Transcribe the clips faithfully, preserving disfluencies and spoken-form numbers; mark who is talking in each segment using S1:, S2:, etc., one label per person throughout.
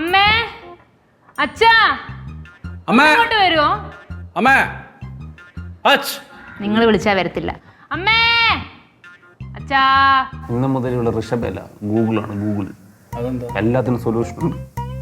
S1: അമ്മേ അച്ഛാ
S2: അമ്മേ
S1: ഇങ്ങോട്ട് വരുമോ?
S2: അമ്മേ അച്ഛ
S1: നിങ്ങൾ വിളിച്ചാ വരത്തില്ല. അമ്മേ അച്ഛാ.
S3: ഇന്ന് മുതലുള്ള ഋഷഭല്ല, ഗൂഗിളാണ്. ഗൂഗിൾ എല്ലാത്തിനും സൊല്യൂഷൻ ഉണ്ട്.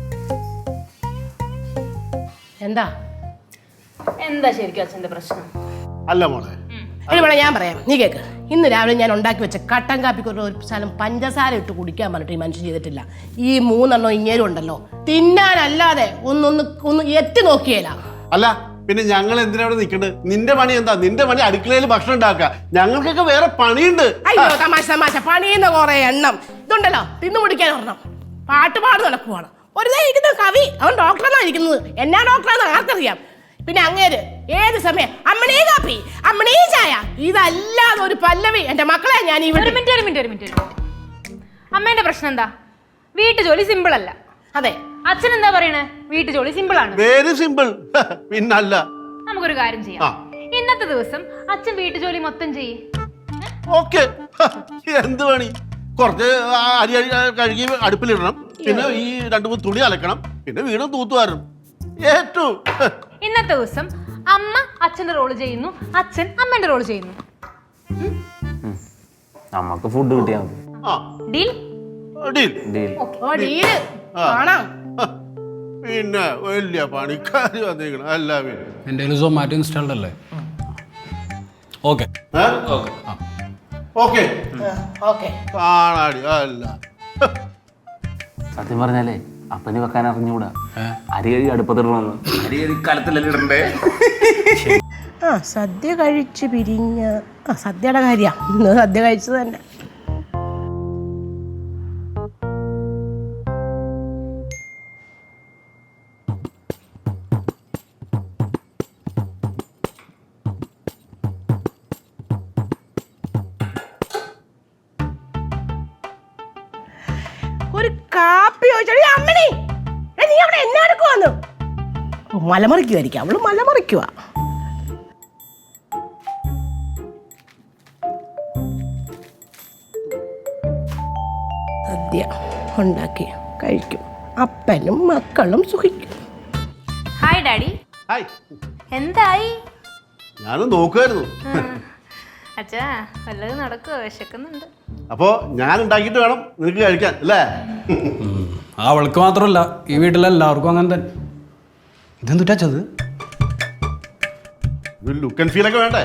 S4: എന്താ
S1: എന്താ ശരിക്കും അച്ഛന്റെ പ്രശ്നം?
S5: അല്ല മോളെ,
S4: മോളെ ഞാൻ പറയാം, നീ കേക്ക്. ഇന്ന് രാവിലെ ഞാൻ ഉണ്ടാക്കി വെച്ച കട്ടൻ കാപ്പിക്ക് ഒരു ശകലം പഞ്ചസാര ഇട്ട് കുടിക്കാൻ പറഞ്ഞിട്ട് ഈ മനുഷ്യൻ ചെയ്തിട്ടില്ല. ഈ മൂന്നെണ്ണം ഇങ്ങേരും ഉണ്ടല്ലോ, തിന്നാനല്ലാതെ ഒന്നൊന്ന് ഒന്ന് എത്തി നോക്കിയേല.
S5: അല്ല പിന്നെ ഞങ്ങൾ എന്തിനാ അവിടെ നിൽക്കണ്ടത്? നിന്റെ പണി എന്താ? നിന്റെ പണി അടുക്കളയിൽ ഭക്ഷണം ഉണ്ടാക്കുക. ഞങ്ങൾക്കൊക്കെ വേറെ പണിയുണ്ട്.
S4: അയ്യോ തമാശ തമാശ, പണിയുന്ന കുറെ എണ്ണം ഇതുണ്ടല്ലോ, തിന്നു കുടിക്കാൻ ഒരെണ്ണം. പാട്ടുപാട് നടക്കുവാണ്. ഒരു ഇരിക്കുന്ന കവി, അവൻ ഡോക്ടറാണ് ഇരിക്കുന്നത്. എന്നാ ഡോക്ടറാന്ന് ആർക്കറിയാം. പിന്നെ അങ്ങേര് ഏത് സമയം അമ്മണീ കാപ്പി, അമ്മണീ ചായ, ഇതല്ലാതെ ഒരു പല്ലവി. എന്റെ മക്കളെ ഞാൻ ഈ
S1: ഒരു മിനിറ്റ് ഒരു മിനിറ്റ് ഒരു മിനിറ്റ് അമ്മേന്റെ പ്രശ്നം എന്താ? വീട്ടു ജോലി സിമ്പിൾ അല്ല.
S4: അതെ,
S1: അച്ഛൻ എന്താ പറയണേ? വീട്ടു ജോലി സിമ്പിൾ ആണ്.
S5: Very simple. പിന്നല്ല.
S1: നമുക്കൊരു കാര്യം ചെയ്യാം. ഇന്നത്തെ ദിവസം അച്ഛൻ വീട്ടു ജോലി മൊത്തം ചെയ്യേ.
S5: ഓക്കെ, എന്ത് പണി? കുറച്ച് അരി അരി കഴുകി അടുപ്പിലിടണം, പിന്നെ ഈ രണ്ടു മൂന്ന് തുണി അലക്കണം, പിന്നെ വീടും തൂത്തുവാരണം. ഏറ്റവും
S1: ഇന്നത്തെ ദിവസം അമ്മ അച്ഛന്റെ റോള് ചെയ്യുന്നു, അച്ഛൻ അമ്മന്റെ റോള് ചെയ്യുന്നു.
S3: നമുക്ക് ഫുഡ് കിട്ടിയാൽ മതി.
S5: ആ
S1: ഡീൽ?
S5: ഡീൽ.
S3: ഡീൽ.
S4: ഓ ഡീല് കാണാം.
S5: പിന്നെ വലിയ പണിക്കാര് വന്നിരിക്കണം. അല്ല പിന്നെ
S2: എൻ്റെ കയ്യിൽ സൊമാറ്റോ ഇൻസ്റ്റാൾഡ് അല്ലേ? ഓക്കെ
S5: ഓക്കെ
S4: ഓക്കെ
S5: കാണാടി. അല്ല
S3: സത്യം പറഞ്ഞാലേ അപ്പന് വെക്കാൻ അറിഞ്ഞുകൂടാ. അരി കഴി അടുപ്പത്തിടണമെന്ന്. അരി കഴി കലത്തിലല്ലേ ഇടണ്ടേ?
S4: ആ സദ്യ കഴിച്ച് പിരിഞ്ഞ ആ സദ്യയുടെ കാര്യ ഇന്ന് സദ്യ കഴിച്ചത് തന്നെ. ഒരു കാപ്പി ചോദിച്ചോടി അമ്മണി, നീ അവിടെ എന്നാ എടുക്കുവാന്ന്? മലമറിക്കുമായിരിക്കും, അവള് മലമറിക്കുവാ. സദ്യ ഉണ്ടാക്കി കഴിക്കും, അപ്പനും മക്കളും സുഖിക്കും.
S1: Hi daddy.
S5: ഹായ്.
S1: എന്തായി?
S5: ഞാനും നോക്കുമായിരുന്നു.
S1: അച്ഛാ വല്ലതും നടക്കുവോ? വിശക്കുന്നുണ്ട്.
S5: അപ്പോ ഞാൻ ഉണ്ടാക്കിയിട്ട് വേണം നിനക്ക് കഴിക്കാൻ അല്ലേ?
S2: അവൾക്ക് മാത്രമല്ല, ഈ വീട്ടിലെല്ലാവർക്കും അങ്ങനെ തന്നെ. ഇതെന്തുറ്റത്?
S5: ലുക്ക് ആൻഡ് ഫീൽ ഒക്കെ വേണ്ടേ?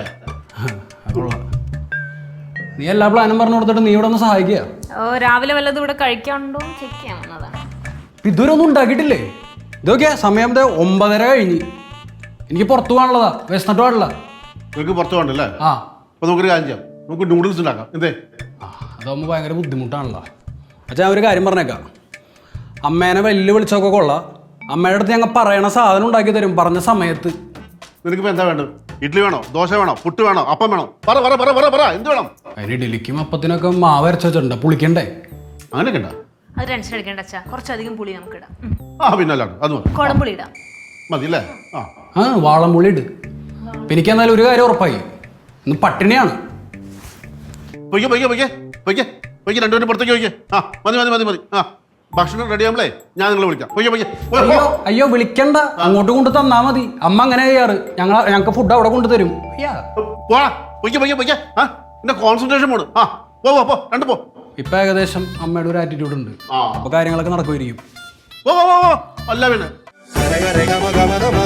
S2: നീ എല്ലാ പ്ലാനും പറഞ്ഞു കൊടുത്തിട്ട് നീ ഇവിടെ ഒന്ന് സഹായിക്കുക.
S1: ഓ രാവിലെ വല്ലതും ഇവിടെ കഴിക്കാനുണ്ടോ ചെക്ക് ചെയ്യാൻ വന്നതാണ്.
S2: ഇതുവരെ ഒന്നും ഉണ്ടാക്കിയിട്ടില്ലേ? ഇതൊക്കെ സമയം ഒമ്പതര കഴിഞ്ഞ്. എനിക്ക് പുറത്തു പോകാനുള്ളതാ, വിശന്നിട്ട് പാടില്ല.
S5: നിനക്ക് പുറത്ത് പോകണ്ടല്ലേ?
S2: ആ
S5: അപ്പൊ നമുക്കൊരു കാര്യം ചെയ്യാം, നമുക്ക് നൂഡിൽസ് ഉണ്ടാക്കാം. എന്തേ?
S2: അതാകുമ്പോൾ ഭയങ്കര ബുദ്ധിമുട്ടാണല്ലോ. അച്ഛാ ഒരു കാര്യം പറഞ്ഞേക്കാം, അമ്മേനെ വെല്ലു വിളിച്ചൊക്കെ കൊള്ളാം. അമ്മയുടെ അടുത്ത് ഞങ്ങൾ പറയണ സാധനം ഉണ്ടാക്കി തരും പറഞ്ഞ സമയത്ത്.
S5: നിനക്കിപ്പോൾ എന്താ വേണ്ടത്? ഇഡ്ഡലി വേണോ, ദോശ വേണോ, പുട്ട് വേണോ, അപ്പം വേണോ? പറ പറ പറ പറ പറ എന്ത് വേണം?
S2: അതിന് ഇഡലിക്കും അപ്പത്തിനൊക്കെ മാവ് അരച്ച് വെച്ചിട്ടുണ്ട്, പുളിക്കണ്ടേ?
S5: അങ്ങനെയൊക്കെ ഉണ്ടാ?
S1: അത് ടെൻഷൻ അടിക്കേണ്ട അച്ഛാ, കുറച്ചധികം പുളി നമുക്ക് ഇടാം.
S5: ആ പിന്നല്ലാണ്ട് അത് മതി.
S1: കുടംപുളി ഇടാം.
S5: മതി അല്ലേ? ആ
S2: ആ വാളംപുളി ഇട്. എനിക്ക് എന്നാലും ഒരു കാര്യം ഉറപ്പായി, ഇന്ന് പട്ടിണിയാണ്.
S5: പൊയ്ക്കെ പൊയ്ക്കെ പൊയ്ക്കെ പൊയ്ക്കെ പൊയ്ക്കെ രണ്ടുപേരും പുറത്തേക്ക് പൊയ്ക്കെ. ആ മതി മതി മതി മതി. ആ ഭക്ഷണം റെഡി ആകുമ്പോഴേ ഞാൻ നിങ്ങളെ വിളിക്കാം. പൊയ്ക്കെ പൊയ്ക്കെ.
S2: അയ്യോ അയ്യോ വിളിക്കണ്ട, അങ്ങോട്ട് കൊണ്ട് തന്നാ മതി. അമ്മ അങ്ങനെ ചെയ്യാറ്. ഞങ്ങൾ ഞങ്ങൾക്ക് ഫുഡ് അവിടെ കൊണ്ടുതരും.
S5: പോടാ പൊയ്ക്കെ പൊയ്ക്കെ പൊയ്ക്കെ. ആ എന്റെ കോൺസെൻട്രേഷൻ മോഡ്. ആ പോ പോ പോ രണ്ട് പോ.
S2: ഇപ്പൊ ഏകദേശം അമ്മയുടെ ഒരു ആറ്റിറ്റ്യൂഡ് ഉണ്ട്, അപ്പൊ കാര്യങ്ങളൊക്കെ നടക്കുമായിരിക്കും.
S5: പോ പോ പോ. അല്ല പിന്നെ